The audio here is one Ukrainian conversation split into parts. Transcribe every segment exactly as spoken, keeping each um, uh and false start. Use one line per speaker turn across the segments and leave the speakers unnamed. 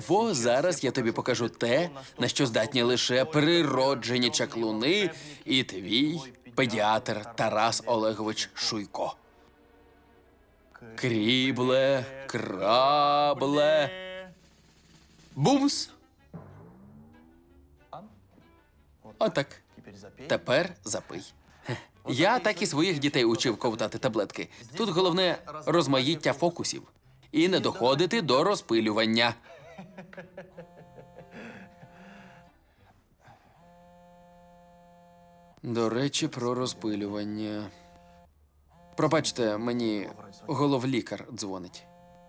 Во, зараз я тобі покажу те, на що здатні лише природжені чаклуни і твій педіатр Тарас Олегович Шуйко. Крібле, крабле, бумс. Отак. Тепер запий. Я так і своїх дітей учив ковтати таблетки. Тут головне розмаїття фокусів. І не доходити до розпилювання. До речі, про розпилювання. Пробачте, мені головлікар дзвонить.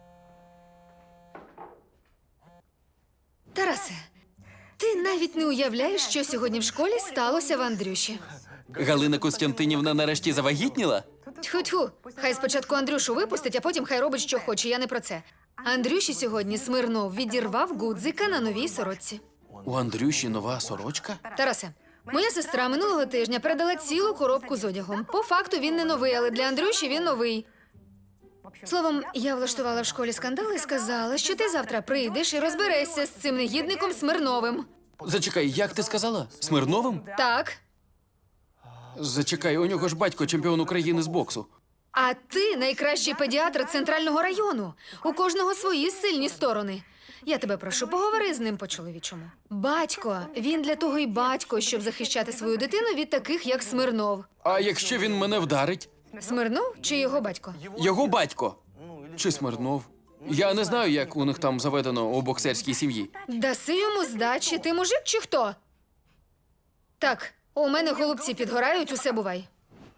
Тарасе, ти навіть не уявляєш, що сьогодні в школі сталося в Андрюші.
Галина Костянтинівна нарешті завагітніла?
Тьху-тьху, хай спочатку Андрюшу випустить, а потім хай робить, що хоче, я не про це. Андрюші сьогодні Смирнов відірвав гудзика на новій сорочці.
У Андрюші нова сорочка?
Тарасе, моя сестра минулого тижня передала цілу коробку з одягом. По факту він не новий, але для Андрюші він новий. Словом, я влаштувала в школі скандал і сказала, що ти завтра прийдеш і розберешся з цим негідником Смирновим.
Зачекай, як ти сказала? Смирновим?
Так.
Зачекай, у нього ж батько чемпіон України з боксу.
А ти найкращий педіатр центрального району. У кожного свої сильні сторони. Я тебе прошу, поговори з ним по-чоловічому. Батько, він для того й батько, щоб захищати свою дитину від таких, як Смирнов.
А якщо він мене вдарить?
Смирнов чи його батько?
Його батько. Чи Смирнов? Я не знаю, як у них там заведено у боксерській сім'ї.
Даси йому здачі, ти мужик чи хто? Так, у мене голубці підгорають, усе бувай.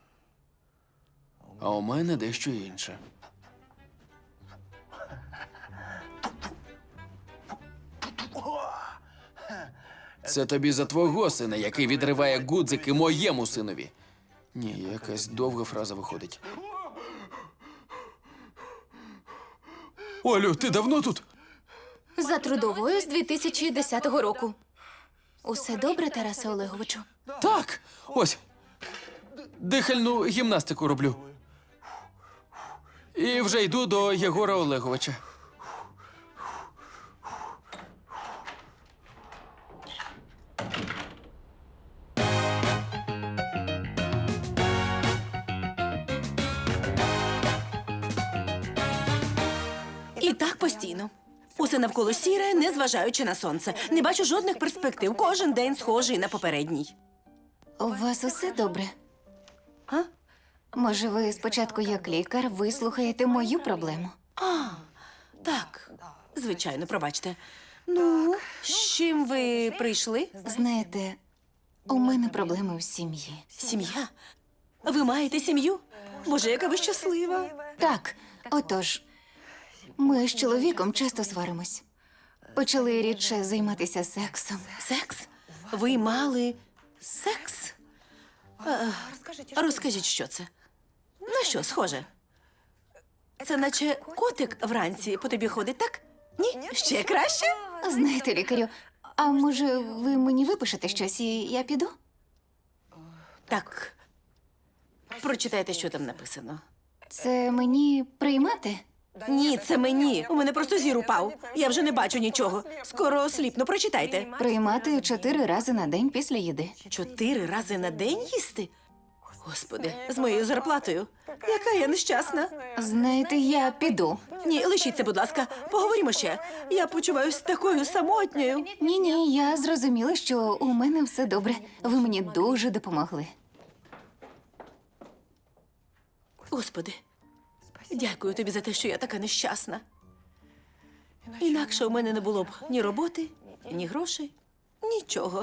А у мене дещо інше. Це тобі за твого сина, який відриває гудзики моєму синові. Ні, якась довга фраза виходить. Олю, ти давно тут?
За трудовою з дві тисячі десятого року. Усе добре, Тарасе Олеговичу?
Так, ось. Дихальну гімнастику роблю. І вже йду до Єгора Олеговича.
І так постійно. Усе навколо сіре, незважаючи на сонце. Не бачу жодних перспектив. Кожен день схожий на попередній.
У вас усе добре?
А?
Може, ви спочатку, як лікар, вислухаєте мою проблему?
А, так. Звичайно, пробачте. Ну, з чим ви прийшли?
Знаєте, у мене проблеми в сім'ї.
Сім'я? Ви маєте сім'ю? Боже, яка ви щаслива.
Так, отож, ми з чоловіком часто сваримось. Почали рідше займатися сексом.
Секс? Ви мали секс? А, розкажіть, що це? На що схоже? Це наче котик вранці по тобі ходить, так? Ні? Ще краще?
Знаєте, лікарю, а може ви мені випишете щось і я піду?
Так. Прочитайте, що там написано.
Це мені приймати?
Ні, це мені. У мене просто зір упав. Я вже не бачу нічого. Скоро осліпну. Прочитайте.
Приймати чотири рази на день після їди.
Чотири рази на день їсти? Господи, з моєю зарплатою. Яка я нещасна.
Знаєте, я піду.
Ні, лишіться, будь ласка. Поговоримо ще. Я почуваюся такою самотньою.
Ні-ні, я зрозуміла, що у мене все добре. Ви мені дуже допомогли.
Господи, дякую тобі за те, що я така нещасна. Інакше у мене не було б ні роботи, ні грошей, нічого.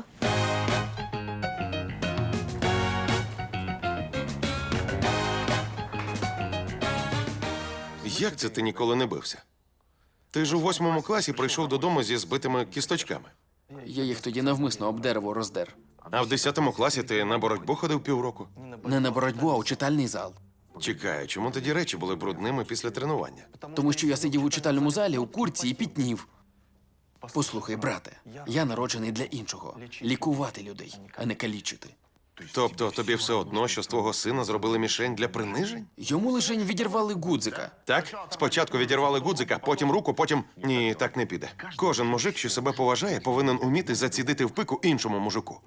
Як це ти ніколи не бився? Ти ж у восьмому класі прийшов додому зі збитими кісточками.
Я їх тоді навмисно об дерево роздер.
А в десятому класі ти на боротьбу ходив півроку.
Не на боротьбу, а у читальний зал.
Чекай, чому тоді речі були брудними після тренування?
Тому що я сидів у читальному залі у куртці і пітнів. Послухай, брате, я народжений для іншого. Лікувати людей, а не калічити.
Тобто тобі все одно, що з твого сина зробили мішень для принижень?
Йому лишень відірвали гудзика.
Так? Спочатку відірвали гудзика, потім руку, потім. Ні, так не піде. Кожен мужик, що себе поважає, повинен уміти зацідити в пику іншому мужику.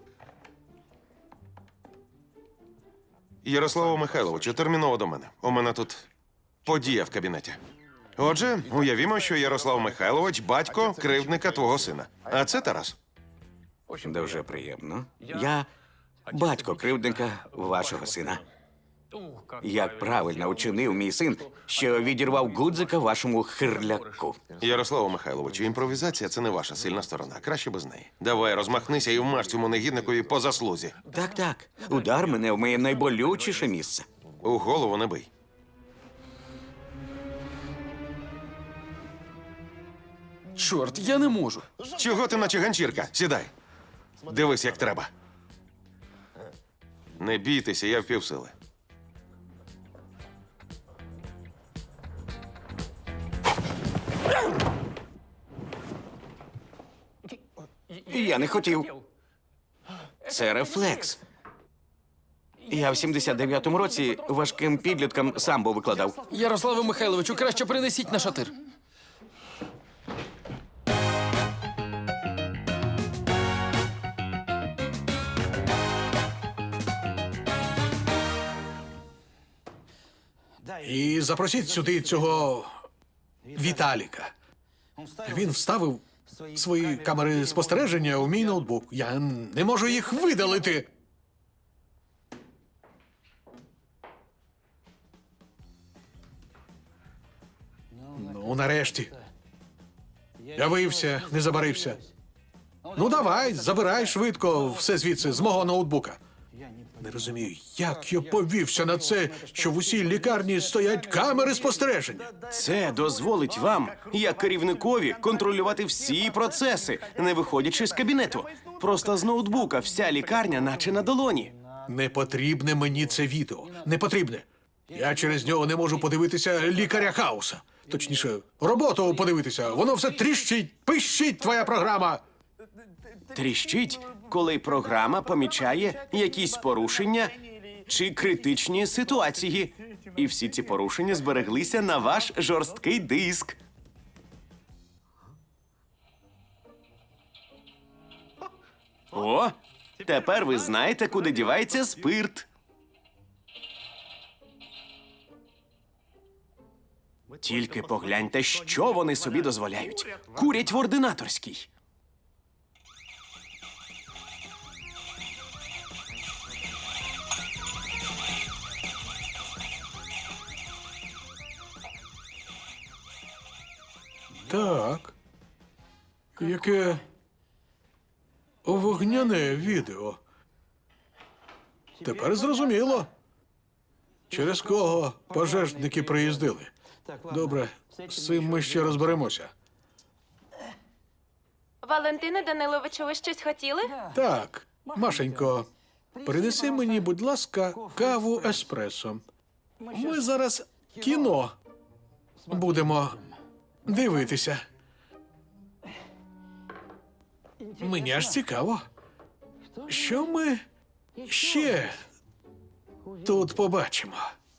Ярославу Михайловичу, терміново до мене. У мене тут подія в кабінеті. Отже, уявімо, що Ярослав Михайлович батько кривдника твого сина. А це Тарас.
Дуже приємно. Я батько кривдника вашого сина. Як правильно учинив мій син, що відірвав гудзика вашому хирляку.
Ярославу Михайловичу, імпровізація це не ваша сильна сторона. Краще без неї. Давай, розмахнися і вмаж цьому негідникові по заслузі.
Так, так. Удар мене в моє найболючіше місце.
У голову не бий.
Чорт, я не можу.
Чого ти наче ганчірка? Сідай. Дивись, як треба. Не бійтеся, я впівсили.
Я не хотів. Це рефлекс. Я в сімдесят дев'ятому році важким підліткам самбо викладав.
Ярославу Михайловичу, краще принесіть на шатир.
І запросіть сюди цього Віталіка. Він вставив свої камери спостереження у мій ноутбук. Я не можу їх видалити. Ну, нарешті. Явився, не забарився. Ну, давай, забирай швидко все звідси з мого ноутбука. Не розумію, як я повівся на це, що в усій лікарні стоять камери спостереження.
Це дозволить вам, як керівникові, контролювати всі процеси, не виходячи з кабінету. Просто з ноутбука вся лікарня наче на долоні.
Не потрібне мені це відео. Не потрібне. Я через нього не можу подивитися лікаря Хауса. Точніше, роботу подивитися. Воно все тріщить, пищить твоя програма.
Тріщить, коли програма помічає якісь порушення чи критичні ситуації. І всі ці порушення збереглися на ваш жорсткий диск. О, тепер ви знаєте, куди дівається спирт. Тільки погляньте, що вони собі дозволяють. Курять в ординаторській.
Так. Яке вогняне відео. Тепер зрозуміло. Через кого пожежники приїздили. Добре, з цим ми ще розберемося.
Валентине Даниловичу, ви щось хотіли?
Так, Машенько, принеси мені, будь ласка, каву еспресо. Ми зараз кіно будемо дивитися. Мені аж цікаво. Що ми ще тут побачимо?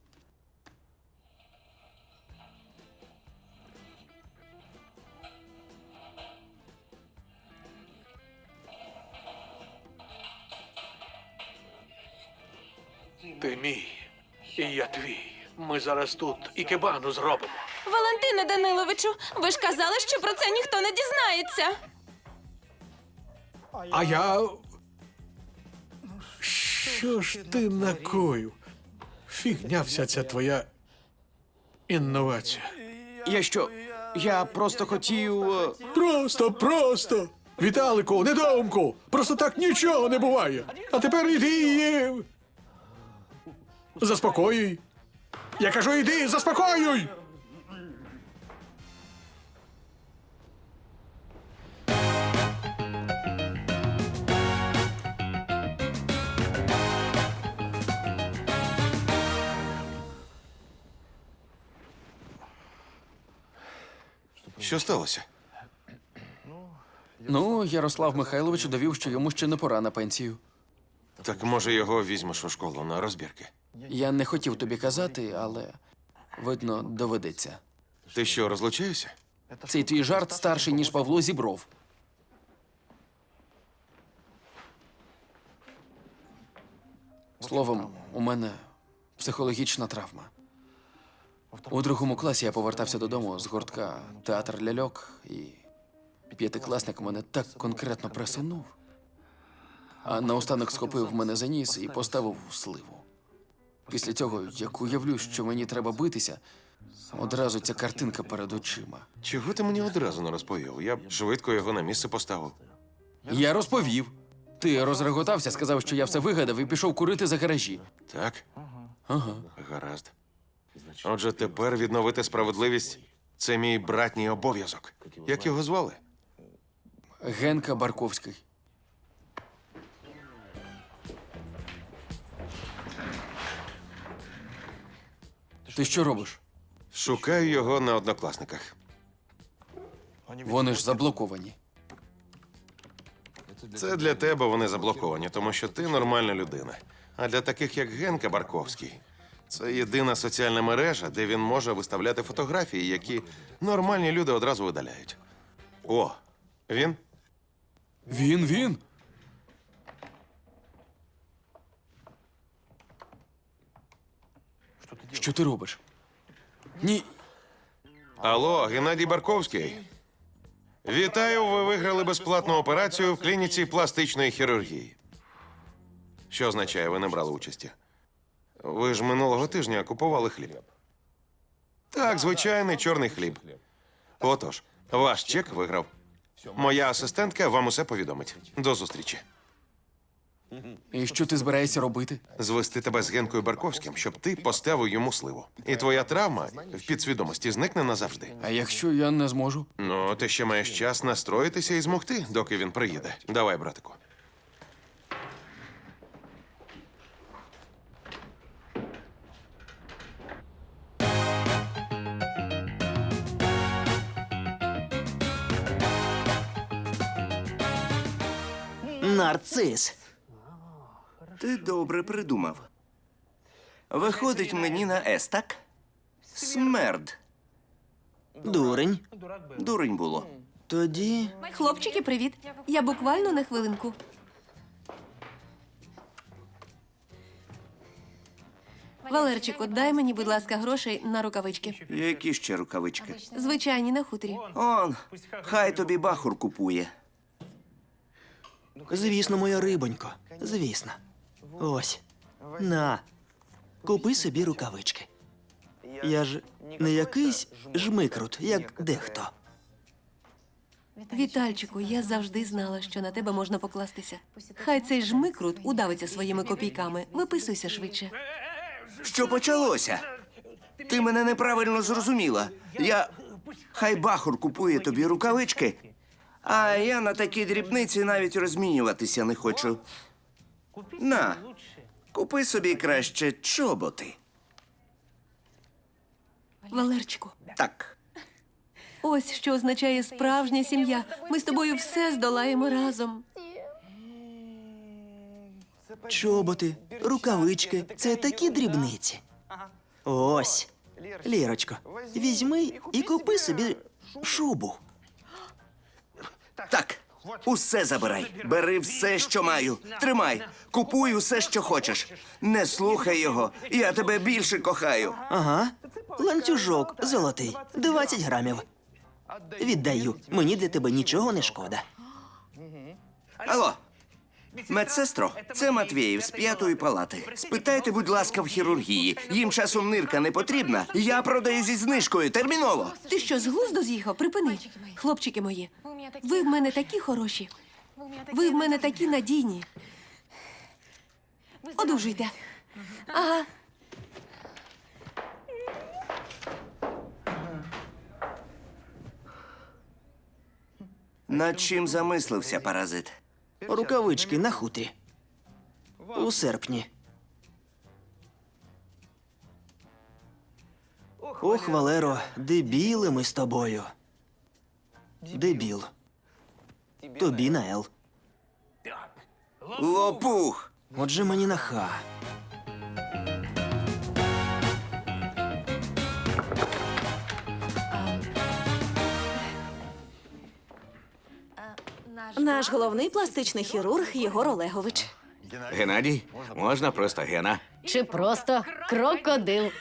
Ти мій, і я твій. Ми зараз тут ікебану зробимо.
Валентине Даниловичу, ви ж казали, що про це ніхто не дізнається.
А я. Що ж ти накоїв? Фігня вся ця твоя інновація.
Я що? Я просто хотів. е,
Просто, просто! Віталику, недоумку! Просто так нічого не буває! А тепер іди і... Заспокоюй! Я кажу, іди, заспокоюй!
Що сталося?
Ну, Ярослав Михайлович довів, що йому ще не пора на пенсію.
Так може його візьмеш у школу на розбірки?
Я не хотів тобі казати, але видно, доведеться.
Ти що, розлучаєшся?
Цей твій жарт старший, ніж Павло Зібров. Словом, у мене психологічна травма. У другому класі я повертався додому з гуртка театр ляльок, і п'ятикласник мене так конкретно пресунув, а наостанок схопив мене за ніс і поставив у сливу. Після цього, як уявлю, що мені треба битися, одразу ця картинка перед очима.
Чого ти мені одразу не розповів? Я б швидко його на місце поставив.
Я розповів. Ти розреготався, сказав, що я все вигадав і пішов курити за гаражі.
Так?
Ага.
Гаразд. Отже, тепер відновити справедливість – це мій братній обов'язок. Як його звали?
Генка Барковський. Ти що робиш?
Шукаю його на однокласниках.
Вони ж заблоковані.
Це для тебе вони заблоковані, тому що ти нормальна людина. А для таких, як Генка Барковський, це єдина соціальна мережа, де він може виставляти фотографії, які нормальні люди одразу видаляють. О, він?
Він, він. Що ти робиш? Ні.
Алло, Геннадій Барковський. Вітаю, ви виграли безплатну операцію в клініці пластичної хірургії. Що означає, ви не брали участі? Ви ж минулого тижня купували хліб. Так, звичайний чорний хліб. Отож, ваш чек виграв. Моя асистентка вам усе повідомить. До зустрічі.
І що ти збираєшся робити?
Звести тебе з Генкою Барковським, щоб ти поставив йому сливу. І твоя травма в підсвідомості зникне назавжди.
А якщо я не зможу?
Ну, ти ще маєш час настроїтися і змогти, доки він приїде. Давай, братику.
Нарцис.
Ти добре придумав. Виходить мені на С, так? Смерд.
Дурень.
Дурень було.
Тоді.
Хлопчики, привіт. Я буквально на хвилинку. Валерчику, дай мені, будь ласка, грошей на рукавички.
Які ще рукавички?
Звичайні, на хуторі.
Он, хай тобі бахур купує.
Звісно, моя рибонько. Звісно. Ось. На. Купи собі рукавички. Я ж не якийсь жмикрут, як дехто.
Вітальчику, я завжди знала, що на тебе можна покластися. Хай цей жмикрут удавиться своїми копійками. Виписуйся швидше.
Що почалося? Ти мене неправильно зрозуміла. Я. Хай бахур купує тобі рукавички, а я на такі дрібниці навіть розмінюватися не хочу. На, купи собі краще чоботи.
Валерчику,
Так.
ось що означає справжня сім'я. Ми з тобою все здолаємо разом.
Чоботи, рукавички це такі дрібниці. Ось. Лірочко, візьми і купи собі шубу.
Так, усе забирай. Бери все, що маю. Тримай. Купуй усе, що хочеш. Не слухай його. Я тебе більше кохаю.
Ага. Ланцюжок золотий, двадцять грамів. Віддаю. Мені для тебе нічого не шкода.
Алло. Медсестро, це Матвєєв з п'ятої палати. Спитайте, будь ласка, в хірургії. Їм часом нирка не потрібна. Я продаю зі знижкою. Терміново.
Ти що, з глузду з'їхав? Припини. Хлопчики мої, ви в мене такі хороші. Ви в мене такі надійні. Одужуйте. Ага.
Над чим замислився паразит?
Рукавички на хутрі. У серпні. Ох, Валеро, дебіли ми з тобою. Дебіл. Тобі на Ел.
Лопух!
Отже, мені на ха.
Наш головний пластичний хірург Єгор Олегович.
Геннадій, можна просто Гена.
Чи просто крокодил?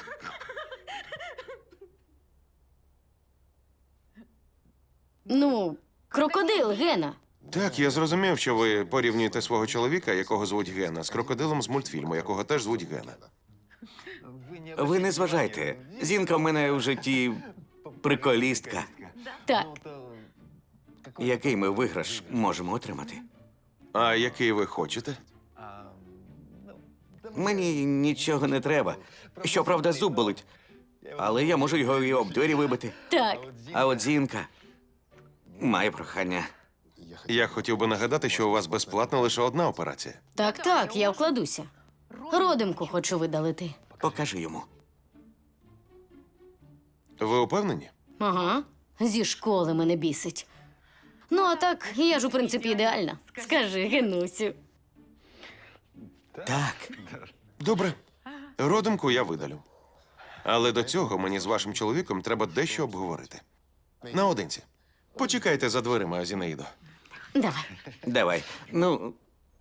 Ну, крокодил, Гена.
Так, я зрозумів, що ви порівнюєте свого чоловіка, якого звуть Гена, з крокодилом з мультфільму, якого теж звуть Гена.
Ви не зважайте. Зінка в мене в житті приколістка.
Так,
Який ми виграш можемо отримати?
А який ви хочете?
Мені нічого не треба. Щоправда, зуб болить. Але я можу його і об двері вибити.
так.
А от Зінка має прохання.
Я хотів би нагадати, що у вас безплатна лише одна операція.
Так, так, я вкладуся. Родимку хочу видалити.
Покажи йому.
Ви упевнені?
Ага, зі школи мене бісить. Ну, а так, я ж у принципі ідеальна. Скажи, Генусю.
Так.
Добре. Родимку я видалю. Але до цього мені з вашим чоловіком треба дещо обговорити. Наодинці. Почекайте за дверима, Зінаїдо.
Давай.
Давай. Ну,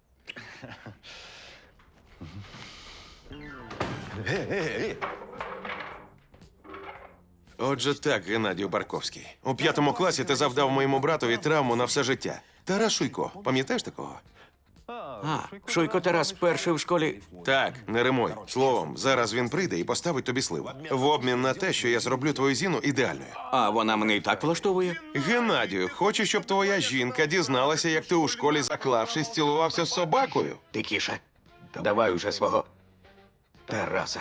Отже так, Геннадію Барковський. У п'ятому класі ти завдав моєму братові травму на все життя. Тарас Шуйко, пам'ятаєш такого?
а, Шуйко Тарас перший в школі.
Так, не римуй. Словом, зараз він прийде і поставить тобі сливу. В обмін на те, що я зроблю твою Зіну ідеальною.
А вона мене і так влаштовує.
Геннадію, хочу, щоб твоя жінка дізналася, як ти у школі, заклавшись, цілувався з собакою.
Тихіше. Давай уже свого Тараса.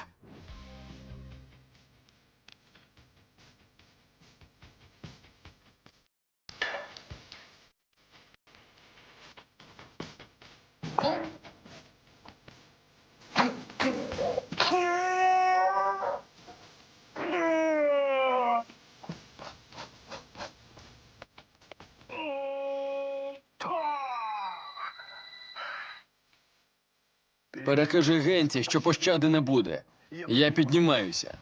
Перекажи Генці, що пощади не буде. Я піднімаюся.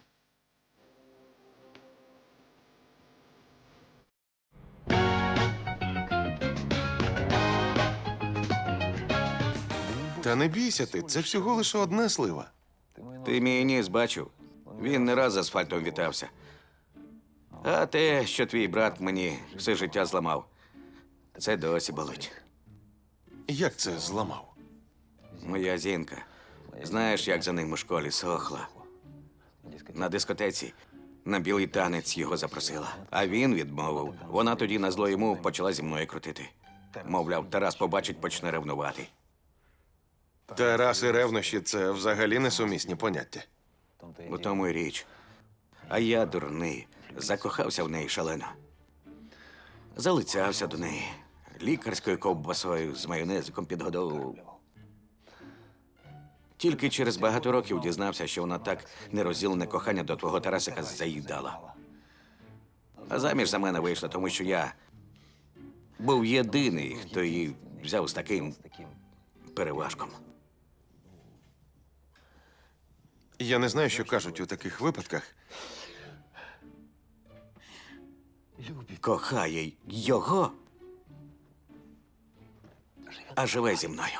Та не бійся ти, це всього лише одна слива.
Ти мій ніс бачив. Він не раз з асфальтом вітався. А те, що твій брат мені все життя зламав, це досі болить.
Як це зламав?
Моя Зінка. Знаєш, як за ним у школі сохла? На дискотеці на білий танець його запросила. А він відмовив. Вона тоді на зло йому почала зі мною крутити. Мовляв, Тарас побачить, почне ревнувати.
Тарас і ревнощі – це взагалі несумісні поняття.
У тому й річ. А я, дурний, закохався в неї шалено. Залицявся до неї. Лікарською ковбасою з майонезиком підгодовував. Тільки через багато років дізнався, що вона так нерозділене кохання до твого Тарасика заїдала. А заміж за мене вийшла, тому що я був єдиний, хто її взяв з таким переважком.
Я не знаю, що кажуть у таких випадках.
Кохає його, а живе зі мною.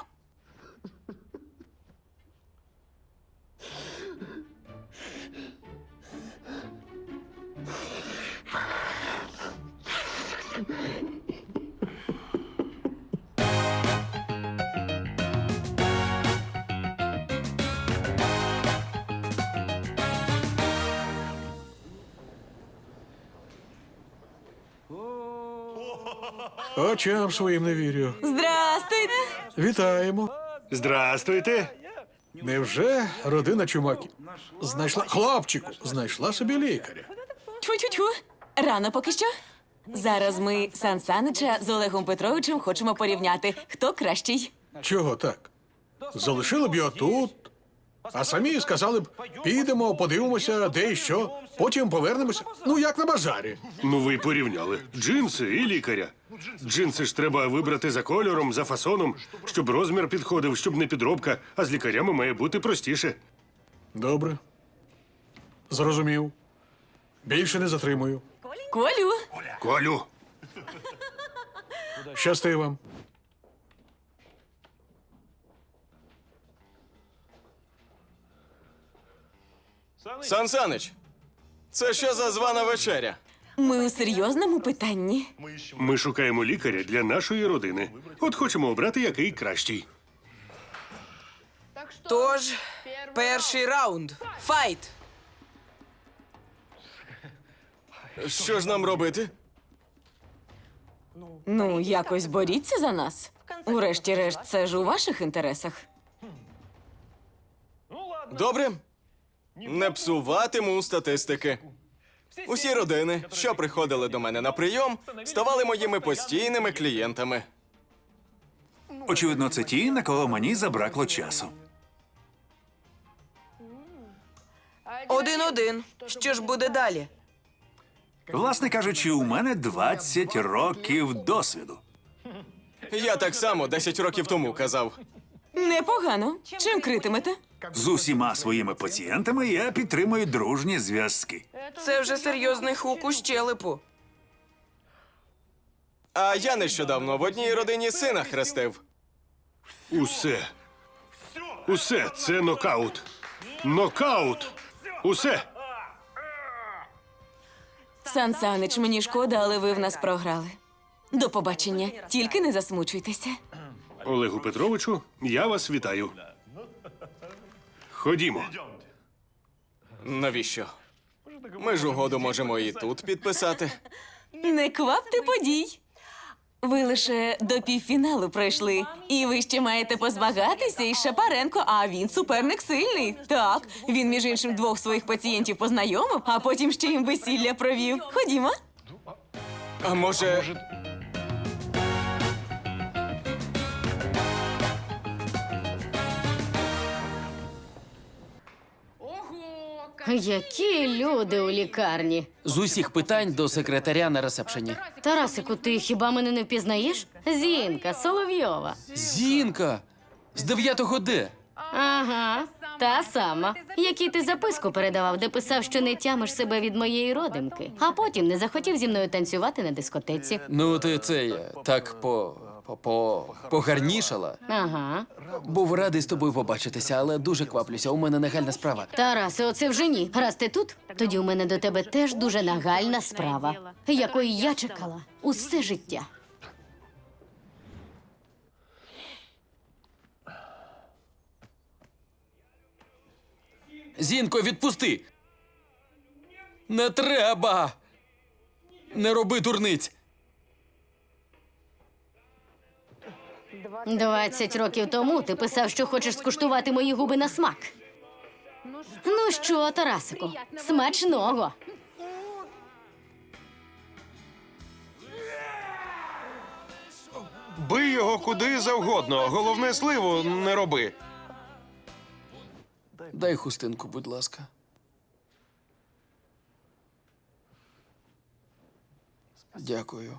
Очам своїм не вірю.
Здрастуйте!
Вітаємо.
Здрастуйте.
Невже родина Чумаків знайшла хлопчику, знайшла собі лікаря?
Тьфу-тьфу-тьфу. Рано поки що. Зараз ми Сан Санича з Олегом Петровичем хочемо порівняти, хто кращий.
Чого так? Залишили б його тут, а самі сказали б, підемо, подивимося, де і що, потім повернемося. Ну, як на базарі.
Ну ви порівняли джинси і лікаря.
Джинси ж треба вибрати за кольором, за фасоном, щоб розмір підходив, щоб не підробка, а з лікарями має бути простіше.
Добре. Зрозумів. Більше не затримую.
Колю,
Колю,
Щасти вам.
Сан Санич, це що за звана вечеря?
ми у серйозному питанні.
ми шукаємо лікаря для нашої родини. От хочемо обрати, який кращий.
Тож, перший раунд. Файт!
Що ж нам робити?
Ну, якось боріться за нас. Урешті-решт, це ж у ваших інтересах.
Добре. Не псуватиму статистики. Усі родини, що приходили до мене на прийом, ставали моїми постійними клієнтами.
Очевидно, це ті, на кого мені забракло часу.
Один-один. Що ж буде далі?
Власне кажучи, у мене двадцять років досвіду.
Я так само десять років тому казав.
Непогано. Чим критимете?
З усіма своїми пацієнтами я підтримую дружні зв'язки.
Це вже серйозний хук у щелепу.
А я нещодавно в одній родині сина хрестив.
Усе. Усе це нокаут. Нокаут. Усе.
Сан Санич, мені шкода, але ви в нас програли. До побачення. Тільки не засмучуйтеся.
Олегу Петровичу, я вас вітаю. Ходімо.
Навіщо? Ми ж угоду можемо і тут підписати.
Не квапте подій. Ви лише до півфіналу пройшли, і ви ще маєте позмагатися із Шапаренко, а він суперник сильний. Так, він, між іншим, двох своїх пацієнтів познайомив, а потім ще їм весілля провів. Ходімо.
А може,
Які люди у лікарні.
З усіх питань до секретаря на ресепшені.
Тарасику, ти хіба мене не впізнаєш? Зінка Соловйова.
Зінка! З дев'ятого Д.
Ага, та сама. Якій ти записку передавав, де писав, що не тямиш себе від моєї родимки, а потім не захотів зі мною танцювати на дискотеці.
Ну, ти це я так по. по. по. погарнішала.
Ага.
Був радий з тобою побачитися, але дуже кваплюся. У мене нагальна справа.
Тарасе, оце вже ні. Раз ти тут, тоді у мене до тебе теж дуже нагальна справа, якої я чекала усе життя.
Зінко, відпусти! Не треба! Не роби дурниць!
Двадцять років тому ти писав, що хочеш скуштувати мої губи на смак. Ну що, Тарасику, смачного!
Бий його куди завгодно. Головне, сливу не роби.
Дай хустинку, будь ласка. Дякую.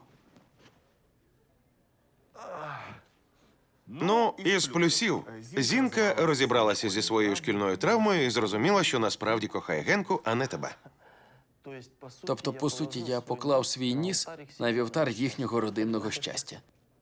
Ну, із плюсів. Зінка розібралася зі своєю шкільною травмою і зрозуміла, що насправді кохає Генку, а не тебе.
Тобто, по суті, я поклав свій ніс на вівтар їхнього родинного щастя.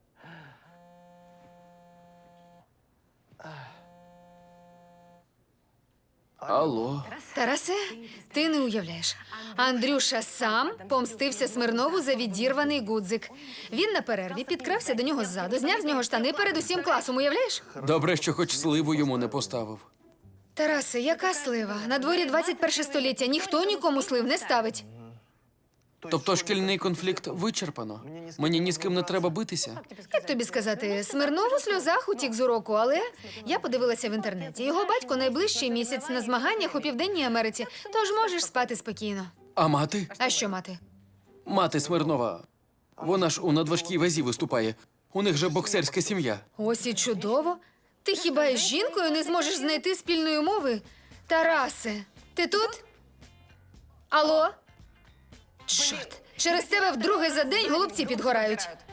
Алло.
Тарасе, ти не уявляєш. Андрюша сам помстився Смирнову за відірваний гудзик. Він на перерві підкрався до нього ззаду, зняв з нього штани перед усім класом, уявляєш?
Добре, що хоч сливу йому не поставив.
Тарасе, яка слива? На дворі двадцять перше століття, ніхто нікому слив не ставить.
Тобто шкільний конфлікт вичерпано? Мені ні з ким не треба битися?
Як тобі сказати, Смирнов у сльозах утік з уроку, але я подивилася в інтернеті. Його батько найближчий місяць на змаганнях у Південній Америці, тож можеш спати спокійно.
А мати?
А що мати?
Мати Смирнова. Вона ж у надважкій вазі виступає. У них же боксерська сім'я.
Ось і чудово. Ти хіба із жінкою не зможеш знайти спільної мови? Тарасе, ти тут? Алло? Чорт, через тебе вдруге за день голубці підгорають.